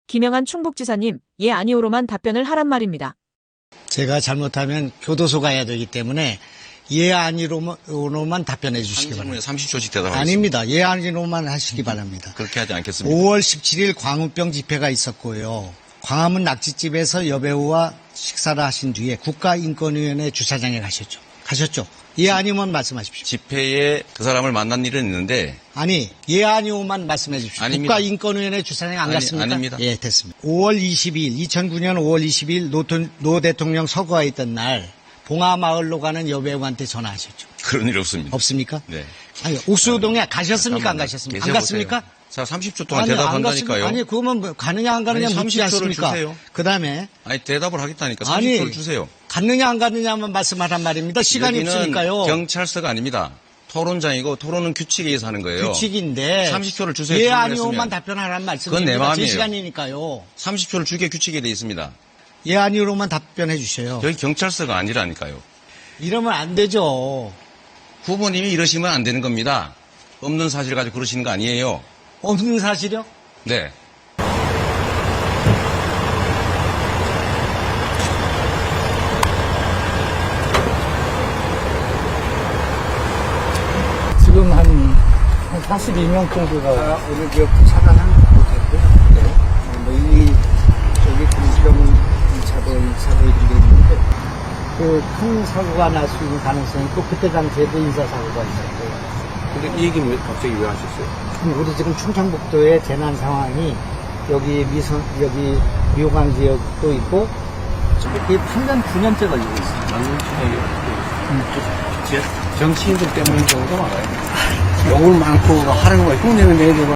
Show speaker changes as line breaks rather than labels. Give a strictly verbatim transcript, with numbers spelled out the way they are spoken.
김영한 충북지사님, 예 아니오로만 답변을 하란 말입니다.
제가 잘못하면 교도소 가야 되기 때문에 예 아니로만 답변해 주시기 바랍니다.
삼십 초씩 대답하겠습니다.
아닙니다. 예 아니로만 하시기 바랍니다.
그렇게 하지 않겠습니다.
오월 십칠일 광우병 집회가 있었고요. 광화문 낙지집에서 여배우와 식사를 하신 뒤에 국가인권위원회 주차장에 가셨죠. 가셨죠? 예 아니오만 말씀하십시오.
집회에 그 사람을 만난 일은 있는데
아니 예 아니오만 말씀해 주십시오.
아닙니다.
국가인권위원회 주차장에 안
아니,
갔습니까?
아닙니다.
예, 됐습니다. 오월 이십이일 이천구년 오월 이십이일 노, 노 대통령 서거가 있던 날 봉하마을로 가는 여배우한테 전화하셨죠.
그런 일 없습니다.
없습니까?
네.
아니 옥수동에 가셨습니까? 안
잠깐만요.
가셨습니까? 안
계셔보세요.
갔습니까?
자, 삼십 초 동안
아니, 안
대답한다니까요.
갔습니까? 아니 그러면 뭐 가느냐 안 가느냐
아니,
묻지
삼십 초를
않습니까?
주세요.
그다음에
아니, 대답을 하겠다니까. 삼십
아니
초를 주세요.
갔느냐 안 갔느냐만 말씀하란 말입니다. 시간이
여기는
없으니까요.
경찰서가 아닙니다. 토론장이고 토론은 규칙에 의해서 하는 거예요.
규칙인데
삼십 초를 주세요.
예
질문을
아니오만
했으면.
답변하라는 말씀입니다.
그건 내 마음이에요.
제 시간이니까요.
삼십 초를 주게 규칙에 돼 있습니다.
예 아니오로만 답변해 주셔요.
여기 경찰서가 아니라니까요.
이러면 안 되죠.
후보님이 이러시면 안 되는 겁니다. 없는 사실 가지고 그러시는 거 아니에요.
없는 사실이요?
네.
지금 한, 한 사십이 명 정도가 오늘 저 차단하는 못했고요. 네. 뭐 이, 저기 금시령 이 차도, 이 차도 이런 게 있는데, 그 큰 사고가 날 수 있는 가능성이 있고, 그때 당시에도 인사사고가 있었고요.
근데 이 얘기는 왜 갑자기 왜 하셨어요?
우리 지금 충청북도의 재난 상황이 여기 미선, 여기 미호강 지역도 있고, 이게 팔 년, 구 년째 걸리고 있어요.
나는 정치인들 때문인 경우가 많아요. 욕을 많고 하는 거 흉내를 내고